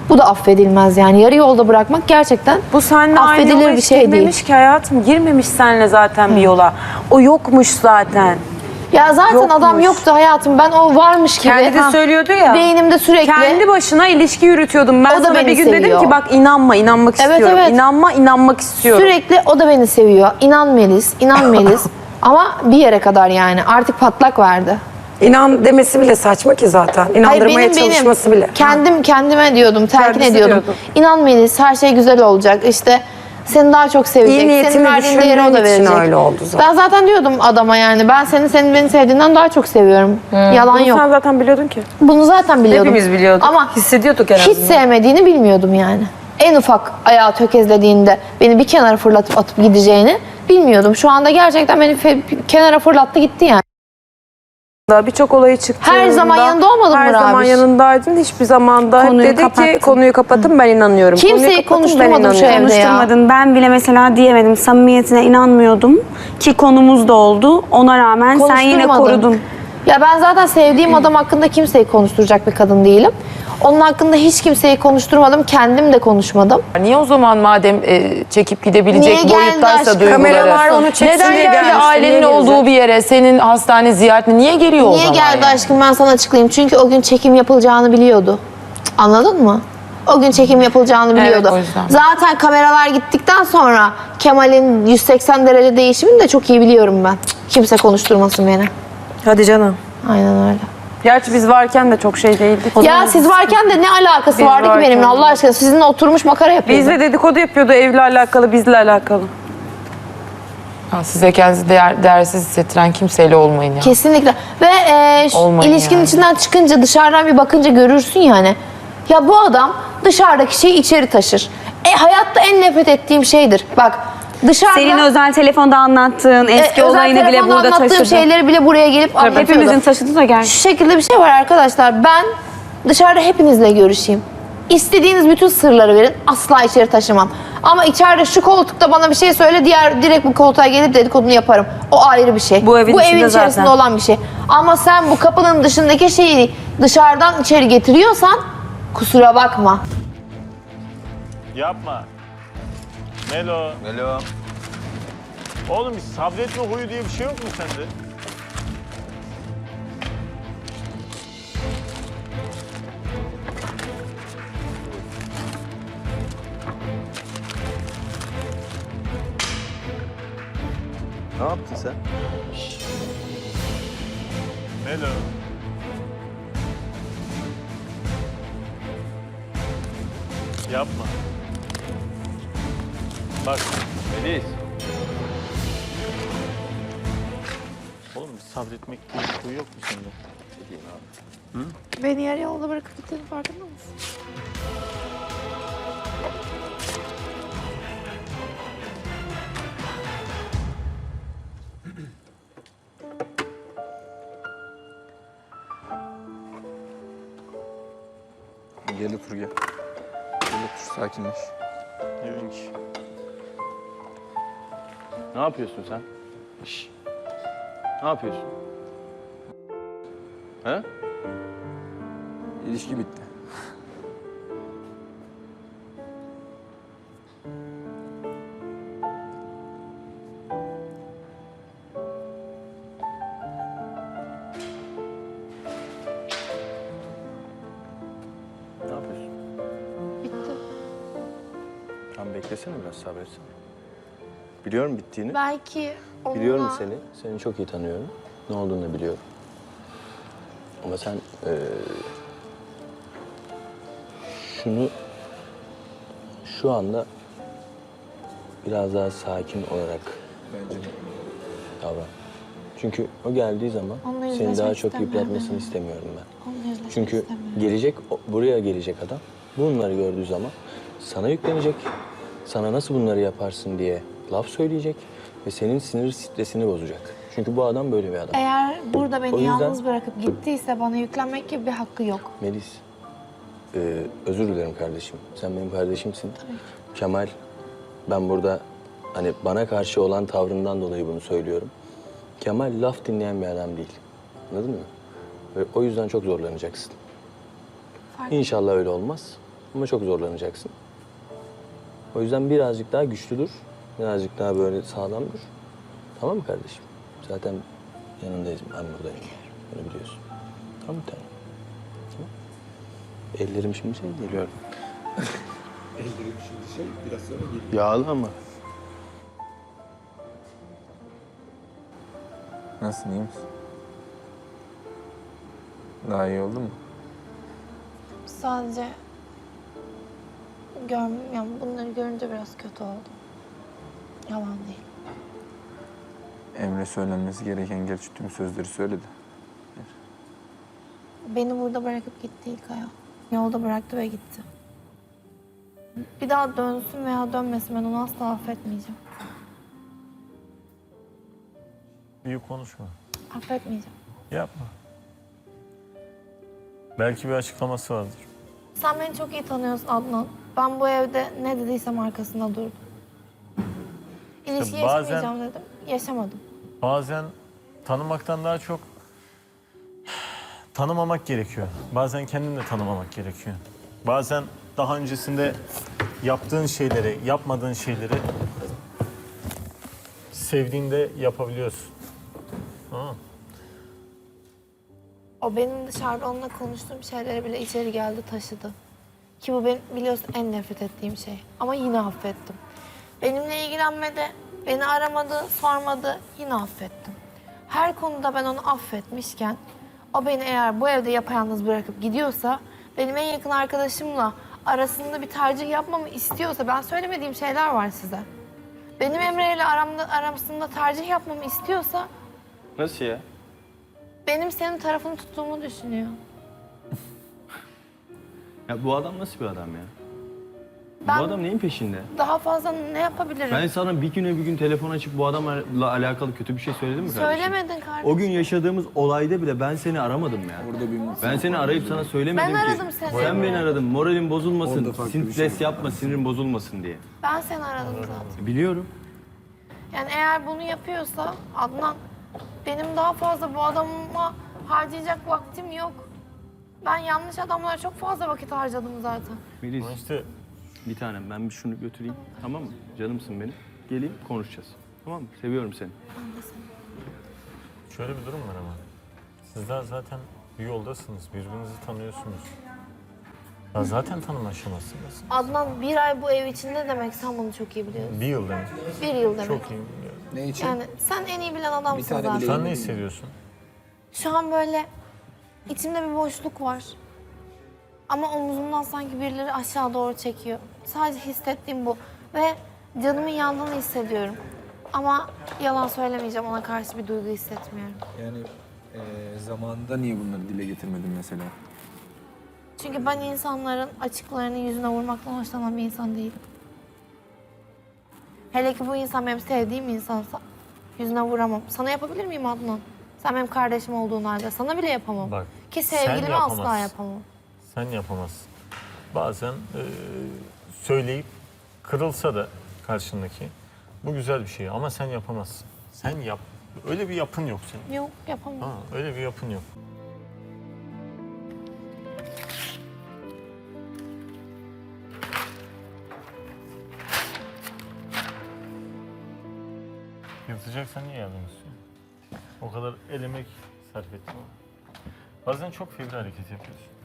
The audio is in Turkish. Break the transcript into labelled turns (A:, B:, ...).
A: Bu da affedilmez yani. Yarı yolda bırakmak gerçekten
B: Bu seninle aynı
A: affedilir
B: yola
A: bir
B: hiç
A: şey değil.
B: girmemiş ki hayatım. Girmemiş seninle zaten bir yola. O yokmuş zaten.
A: Ya zaten
B: Yokmuş.
A: adam yoktu hayatım. Ben o varmış gibi.
B: Kendi de söylüyordu ya.
A: Beynimde sürekli.
B: Kendi başına ilişki yürütüyordum. Ben
A: O da
B: sana
A: beni
B: bir gün
A: seviyor.
B: dedim ki bak inanma, inanmak
A: Evet,
B: istiyorum.
A: evet.
B: İnanma, inanmak istiyorum.
A: Sürekli o da beni seviyor. İnan Melis, inan Melis. Ama bir yere kadar yani. Artık patlak verdi.
C: İnan demesi bile saçma ki zaten. İnandırmaya çalışması bile.
A: Kendime diyordum, telkin
B: Kendisi
A: ediyordum.
B: diyordu.
A: İnan Melis, her şey güzel olacak. İşte seni daha çok sevecek.
C: İyi niyetini
A: Senin verdiğin değeri o da
C: düşündüğün için
A: verecek.
C: öyle oldu zaten.
A: Ben zaten diyordum adama yani. Ben senin beni sevdiğinden daha çok seviyorum. Yalan
B: Bunu
A: yok.
B: sen zaten biliyordun ki.
A: Bunu zaten biliyordum.
B: Hepimiz biliyorduk.
A: Ama
B: Hissediyorduk en
A: hiç
B: azından.
A: sevmediğini bilmiyordum yani. En ufak ayağı tökezlediğinde beni bir kenara fırlatıp atıp gideceğini bilmiyordum. Şu anda gerçekten beni kenara fırlattı gitti yani.
B: Birçok olayı çıktı.
A: Her zaman yanında olmadın mı
B: Her zaman
A: Rabiş?
B: yanındaydın. Hiçbir zamanda hep
D: Konuyu
B: dedi ki
D: kapattın.
B: konuyu kapatın ben inanıyorum.
A: Kimseyi
B: Konuyu kapatın,
A: konuşturmadım
B: ben
A: şu
B: inanıyorum.
A: evde ya.
D: Konuşturmadın. Ben bile mesela diyemedim. Samimiyetine inanmıyordum. Ki konumuz da oldu. Ona rağmen sen yine
A: Konuşturmadın.
D: korudun.
A: Ya ben zaten sevdiğim adam hakkında kimseyi konuşturacak bir kadın değilim. Onun hakkında hiç kimseyi konuşturmadım. Kendim de konuşmadım.
E: Niye o zaman madem çekip gidebilecek
A: Niye geldi
E: boyuttaysa
A: aşkım?
E: duyguları?
C: Kameralar onu çeksin
E: Neden
C: diye
E: geldi
C: gelmiş,
E: ailenin
C: niye
E: olduğu
C: gelecek?
E: bir yere, senin hastane ziyaretine niye geliyor o
A: Niye
E: zaman?
A: geldi
E: yani?
A: aşkım ben sana açıklayayım. Çünkü o gün çekim yapılacağını biliyordu. Anladın mı? O gün çekim yapılacağını biliyordu.
E: o yüzden.
A: Zaten kameralar gittikten sonra Kemal'in 180 derece değişimini de çok iyi biliyorum ben. Kimse konuşturmasın beni.
B: Hadi canım.
A: Aynen öyle.
B: Gerçi biz varken de çok şey değildik.
A: Ya siz varken de ne alakası
B: Biz
A: vardı ki
B: varken
A: benimle
B: de.
A: Allah aşkına? Sizinle oturmuş makara yapıyordu.
B: Bizle dedikodu yapıyordu evle alakalı, bizle alakalı.
E: Ha, size kendinizi değersiz hissettiren kimseyle olmayın ya.
A: Kesinlikle. Ve
E: Olmayın
A: ilişkinin
E: yani.
A: içinden çıkınca dışarıdan bir bakınca görürsün yani. Ya bu adam dışarıdaki şeyi içeri taşır. Hayatta en nefret ettiğim şeydir. Bak dışarıda...
D: Senin özel telefonda anlattığın eski
A: özel
D: olayını bile
A: telefonda
D: burada
A: anlattığım
D: taşıdı.
A: şeyleri bile buraya gelip anlatıyordu.
D: Hepimizin taşıdı da gel.
A: Şu şekilde bir şey var arkadaşlar. Ben dışarıda hepinizle görüşeyim. İstediğiniz bütün sırları verin. Asla içeri taşımam. Ama içeride şu koltukta bana bir şey söyle, direkt bu koltuğa gelip dedikodunu yaparım. O ayrı bir şey.
B: Bu evin içinde
A: içerisinde
B: zaten.
A: olan bir şey. Ama sen bu kapının dışındaki şeyi dışarıdan içeri getiriyorsan kusura bakma.
F: Yapma. Melo.
G: Melo.
F: Oğlum sabretme huyu diye bir şey yok mu sende?
G: Ne yaptın sen?
F: Melo. Yapma. Bak.
G: Melis.
F: Oğlum sabretmek diye bir huy yok mu sende?
G: Ne diyeyim abi?
A: Beni yarı yolda bırakıp gittiğinin farkında mısın?
G: Gel otur gel. Gel otur sakinleş.
F: Evet. Ne yapıyorsun sen? Şş. Ne yapıyorsun? He?
G: İlişki bitti.
F: Ne yapıyorsun?
A: Bitti.
G: Tamam beklesene biraz sabretsene. Biliyorum bittiğini.
A: Belki onunla...
G: Biliyorum seni. Seni çok iyi tanıyorum. Ne olduğunu da biliyorum. Ama sen şunu şu anda biraz daha sakin olarak davran. Çünkü o geldiği zaman
A: Onunla
G: seni
A: yüzleşmek
G: daha çok
A: istemiyorum.
G: yıpratmasını istemiyorum ben.
A: Onunla yüzleşmek
G: Çünkü
A: istemiyorum.
G: buraya gelecek adam bunları gördüğü zaman sana yüklenecek. Sana nasıl bunları yaparsın diye laf söyleyecek ve senin sinir stresini bozacak. Çünkü bu adam böyle bir adam.
A: Eğer burada beni
G: O yüzden-
A: yalnız bırakıp gittiyse bana yüklenmek gibi bir hakkı yok.
G: Melis, özür dilerim kardeşim. Sen benim kardeşimsin. Kemal, ben burada hani bana karşı olan tavrından dolayı bunu söylüyorum. Kemal laf dinleyen bir adam değil. Anladın mı? Ve o yüzden çok zorlanacaksın.
A: Farkında.
G: İnşallah öyle olmaz. ama çok zorlanacaksın. O yüzden birazcık daha güçlü dur. Birazcık daha böyle sağlam dur. Tamam mı kardeşim? Zaten yanındayız. Ben buradayım. Bunu biliyorsun. Tamam bir tane. Tamam. Ellerim şimdi şey geliyor.
H: Ellerim şimdi şey biraz sonra geliyor.
G: Yağlı ama.
I: Nasılsın, iyi misin? Daha iyi oldu mu?
A: Sadece yani bunları görünce biraz kötü oldum. Yalan değil.
I: Emre söylenmesi gereken gerçi tüm sözleri söyledi.
A: Beni burada bırakıp gitti İlkay'a. Yolda bıraktı ve gitti. Bir daha dönsün veya dönmesin ben onu asla affetmeyeceğim.
J: Büyük konuşma.
A: Affetmeyeceğim.
J: Yapma. Belki bir açıklaması vardır.
A: Sen beni çok iyi tanıyorsun Adnan. Ben bu evde ne dediysem arkasında durdum. İlişki
J: İşte bazen-
A: yaşamayacağım dedim. Yaşamadım.
J: Bazen tanımaktan daha çok tanımamak gerekiyor. Bazen kendini de tanımamak gerekiyor. Bazen daha öncesinde yaptığın şeyleri, yapmadığın şeyleri sevdiğinde yapabiliyorsun. Tamam mı?
A: O benim dışarıda onunla konuştuğum şeyleri bile içeri geldi taşıdı. Ki bu benim biliyorsun en nefret ettiğim şey. Ama yine affettim. Benimle ilgilenmedi, beni aramadı, sormadı, yine affettim. Her konuda ben onu affetmişken o beni eğer bu evde yapayalnız bırakıp gidiyorsa benim en yakın arkadaşımla arasında bir tercih yapmamı istiyorsa ben söylemediğim şeyler var size. Benim Emre ile arasında tercih yapmamı istiyorsa
G: Nasıl ya?
A: benim senin tarafını tuttuğumu düşünüyor.
F: Ya bu adam nasıl bir adam ya?
A: Ben-
F: Bu adam neyin peşinde?
A: Daha fazla ne yapabilirim?
F: Ben sana bir gün telefon açıp bu adamla alakalı kötü bir şey söyledim mi kardeşim?
A: Söylemedin kardeşim.
F: O gün yaşadığımız olayda bile ben seni aramadım ya.
I: Orada bir
F: Ben seni arayıp sana söylemedim
A: Ben
F: ki.
A: aradım seni.
F: Sen beni aradın. Moralin bozulmasın,
I: Orada farklı bir
F: stres
I: şey var.
F: yapma, sinirin bozulmasın diye.
A: Ben seni aradım zaten.
F: Biliyorum.
A: Yani eğer bunu yapıyorsa Adnan, benim daha fazla bu adama harcayacak vaktim yok. Ben yanlış adamlara çok fazla vakit harcadım zaten.
F: Melis,
J: Ama işte
F: bir tanem ben bir şunu götüreyim. Tamam mı? Canımsın benim. Geleyim konuşacağız. Tamam mı? Seviyorum seni.
J: şöyle bir durum var ama. Sizler zaten bir yoldasınız, birbirinizi tanıyorsunuz. Ya zaten tanıma aşamasındasınız.
A: Adnan bir ay bu ev içinde demek sen bunu çok iyi biliyorsun.
J: Bir yıl demek.
A: Bir yıl demek.
J: Çok iyi biliyorum.
I: Ne için?
A: Yani sen en iyi bilen adamsın
I: tane
A: zaten.
I: bile-
J: Sen ne hissediyorsun?
A: Şu an böyle içimde bir boşluk var. Ama omuzumdan sanki birileri aşağı doğru çekiyor. Sadece hissettiğim bu. Ve canımın yandığını hissediyorum. Ama yalan söylemeyeceğim, ona karşı bir duygu hissetmiyorum.
I: Yani zamanında niye bunları dile getirmedin mesela?
A: Çünkü ben insanların açıklarını yüzüne vurmaktan hoşlanan bir insan değilim. Hele ki bu insan benim sevdiğim insansa yüzüne vuramam. Sana yapabilir miyim Adnan? Sen benim kardeşim olduğun halde sana bile yapamam.
J: Bak,
A: Ki
J: sen
A: sevgilime asla
J: yapamazsın.
A: yapamam.
J: Sen yapamazsın. Bazen söyleyip kırılsa da karşındaki bu güzel bir şey ama sen yapamazsın. Sen yap. Öyle bir yapın yok senin.
A: Yok yapamam.
J: Ha, öyle bir yapın yok. Yırtacaksan niye yardım istiyorsun? O kadar el emek sarf ettim. Bazen çok fevri hareket yapıyorsun.